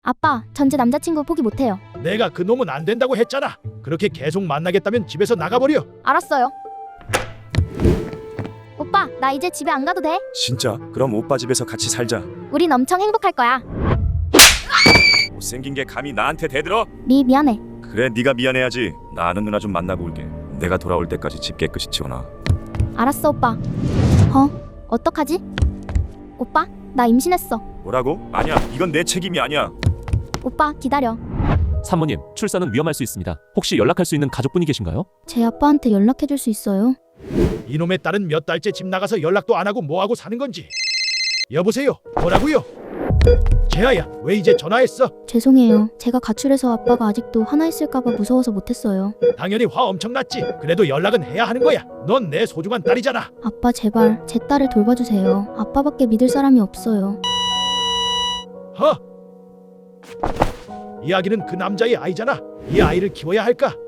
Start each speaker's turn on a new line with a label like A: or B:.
A: 아빠, 전 제 남자친구 포기 못해요.
B: 내가 그 놈은 안 된다고 했잖아. 그렇게 계속 만나겠다면 집에서 나가버려.
A: 알았어요. 오빠, 나 이제 집에 안 가도 돼?
C: 진짜? 그럼 오빠 집에서 같이 살자.
A: 우린 엄청 행복할 거야.
C: 못생긴 게 감히 나한테 대들어?
A: 미안해.
C: 그래, 네가 미안해야지. 나 아는 누나 좀 만나고 올게. 내가 돌아올 때까지 집 깨끗이 치워놔.
A: 알았어, 오빠. 어떡하지? 오빠, 나 임신했어.
C: 뭐라고? 아니야, 이건 내 책임이 아니야.
A: 오빠, 기다려.
D: 산모님, 출산은 위험할 수 있습니다. 혹시 연락할 수 있는 가족분이 계신가요?
A: 제 아빠한테 연락해줄 수 있어요?
B: 이놈의 딸은 몇 달째 집 나가서 연락도 안 하고 뭐하고 사는 건지. 여보세요? 뭐라고요? 재하야, 왜 이제 전화했어?
A: 죄송해요. 제가 가출해서 아빠가 아직도 하나 있을까봐 무서워서 못했어요.
B: 당연히 화 엄청 났지. 그래도 연락은 해야 하는 거야. 넌 내 소중한 딸이잖아.
A: 아빠, 제발 제 딸을 돌봐주세요. 아빠밖에 믿을 사람이 없어요.
B: 이야기는 그 남자의 아이잖아. 이 아이를 키워야 할까?